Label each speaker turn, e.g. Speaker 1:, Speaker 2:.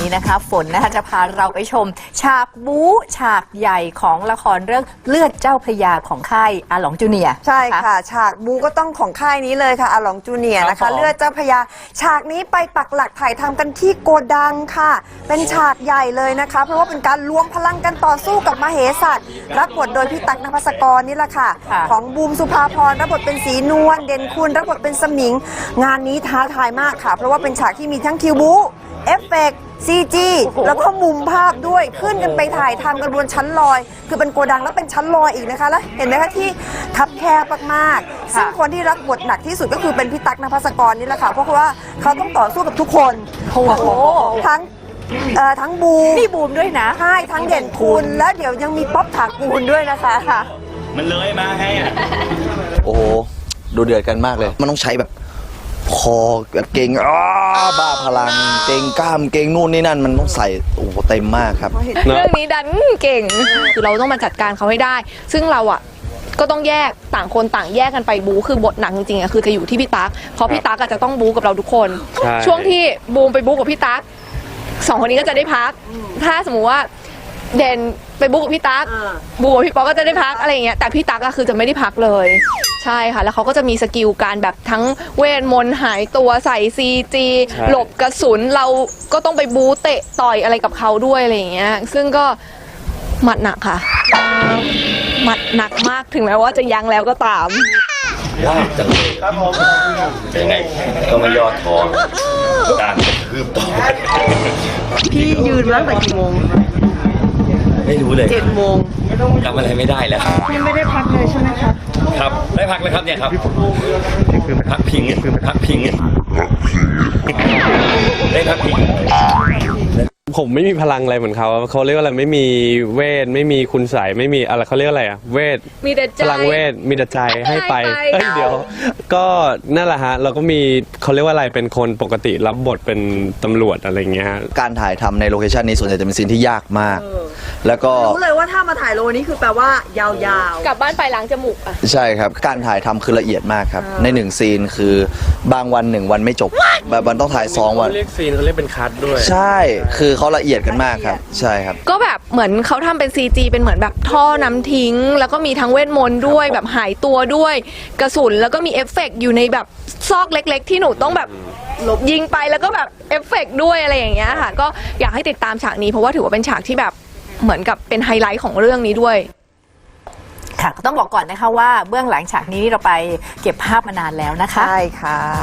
Speaker 1: นี้นะคะฝนนะคะจะพาเราไปชมฉากบู๊ฉากใหญ่ของละครเรื่องเลือดเจ้าพระยาของค่ายอาหลงจูเนียร์
Speaker 2: ใช่ค่ะฉากบู๊ก็ต้องของค่ายนี้เลยค่ะอาหลงจูเนียร์นะคะเลือดเจ้าพระยาฉากนี้ไปปักหลักถ่ายทำกันที่โกดังค่ะเป็นฉากใหญ่เลยนะคะเพราะว่าเป็นการรวมพลังกันต่อสู้กับมเหสัตว์รับบทโดยพี่ตั๊ก นภัสกรนี่แหละค่ะของบูมสุภาพรรับบทเป็นศรีนวลเด่นคุณรับบทเป็นสมิงงานนี้ท้าทายมากค่ะเพราะว่าเป็นฉากที่มีทั้งคิวบู๊เอฟเฟกต์CG แล้วก็มุมภาพด้วยขึ้นกันไปถ่ายทำกันบนชั้นลอยคือเป็นโกดังแล้วเป็นชั้นลอยอีกนะคะแล้วเห็นไหมคะที่คับแคบมากๆซึ่งคนที่รับบทหนักที่สุดก็คือเป็นพี่ตั๊ก นภัสกรนี่แหละค่ะเพราะว่าเขาต้องต่อสู้กับทุกคนทั้งบูม
Speaker 1: นี่บูมด้วยนะ
Speaker 2: ใช่ทั้งเด่นคุณแล้วเดี๋ยวยังมีป๊อปถากูลด้วยนะคะ
Speaker 3: มันเลยมาไงอ่ะ
Speaker 4: โอ้โหดูเดือดกันมากเลยมันต้องใช้แบบคอแบบเก่งบ้าพลังเก่งกล้ามเก่งนู่นนี่นั่นมันต้องใส่โอ้โหเต็มมากครับ
Speaker 5: เรื่องนี้ดันเก่งคือเราต้องมาจัดการเขาให้ได้ซึ่งเราอ่ะก็ต้องแยกต่างคนต่างแยกกันไปบู๊คือบทหนักจริงๆอ่ะคือจะอยู่ที่พี่ตั๊กเพราะพี่ตั๊กจะต้องบู๊กับเราทุกคนช่วงที่บูมไปบู๊กับพี่ตั๊กสองคนนี้ก็จะได้พักถ้าสมมุติว่าเด่นไปบู๊กับพี่ตั๊กบู๊กับพี่ป๊อกก็จะได้พักอะไรอย่างเงี้ยแต่พี่ตั๊กคือจะไม่ได้พักเลยใช่ค่ะแล้วเขาก็จะมีสกิลการแบบทั้งเวทมนต์หายตัวใส่CGหลบกระสุนเราก็ต้องไปบู๊เตะต่อยอะไรกับเขาด้วยอะไรอย่างเงี้ยซึ่งก็หมัดหนักค่ะหมัดหนักมากถึงแม้ว่าจะยังแล้วก็ตาม
Speaker 3: ยากจังเลยครับผมยังไงก็ไม่ย่อท้อการคืบต่อ
Speaker 2: พี่ยืนตั้งแต่กี่โมง
Speaker 3: ไม่รู้เลย
Speaker 2: 7 โมง
Speaker 3: จำอะไรไม่ได้แล้ว
Speaker 2: ยังไม่ได้พักเลยใช่ไหมครับ
Speaker 3: ครับได้พักเลยครับเนี่ยครับพักพิงได้พักพิง
Speaker 6: ผมไม่มีพลังอะไรเหมือนเขาเรียกว่าอะไรไม่มีเวทไม่มีคุณใสไม่มีอะไรเขาเรียกอะไรอะเวท
Speaker 5: มีแต่ใจ
Speaker 6: พลังเวทมีแต่ใจให้ไปเดี๋ยวก็นั่นแหละฮะเราก็มีเขาเรียกว่าอะไรเป็นคนปกติรับบทเป็นตำรวจอะไรเงี้ย
Speaker 4: การถ่ายทำในโลเคชันนี้ส่วนใหญ่จะเป็นซีนที่ยากมากแล้วก็
Speaker 2: รู้เลยว่าถ้ามาถ่ายโลนี้คือแปลว่ายาว
Speaker 5: ๆกลับบ้านไปล้างจมูกอ่ะ
Speaker 4: ใช่ครับการถ่ายทำคือละเอียดมากครับใน1ซีนคือบางวัน1วันไม่จบแบบวันต้องถ่าย2วัน
Speaker 6: เรียกซีนเขาเรียกเป็นคัทด้วย
Speaker 4: ใช่คือเขาละเอียดกันมากครับใช่ครับ
Speaker 5: ก็แบบเหมือนเขาทำเป็น CG เป็นเหมือนแบบท่อน้ำทิ้งแล้วก็มีทั้งเวทมนต์ด้วยแบบหายตัวด้วยกระสุนแล้วก็มีเอฟเฟกต์อยู่ในแบบซอกเล็กๆที่หนูต้องแบบยิงไปแล้วก็แบบเอฟเฟกต์ด้วยอะไรอย่างเงี้ยค่ะก็อยากให้ติดตามฉากนี้เพราะว่าถือว่าเป็นฉากที่แบบเหมือนกับเป็นไฮไลท์ของเรื่องนี้ด้วย
Speaker 1: ค่ะก็ต้องบอกก่อนนะคะว่าเบื้องหลังฉากนี้เราไปเก็บภาพมานานแล้วนะคะ
Speaker 2: ใช่ค่ะ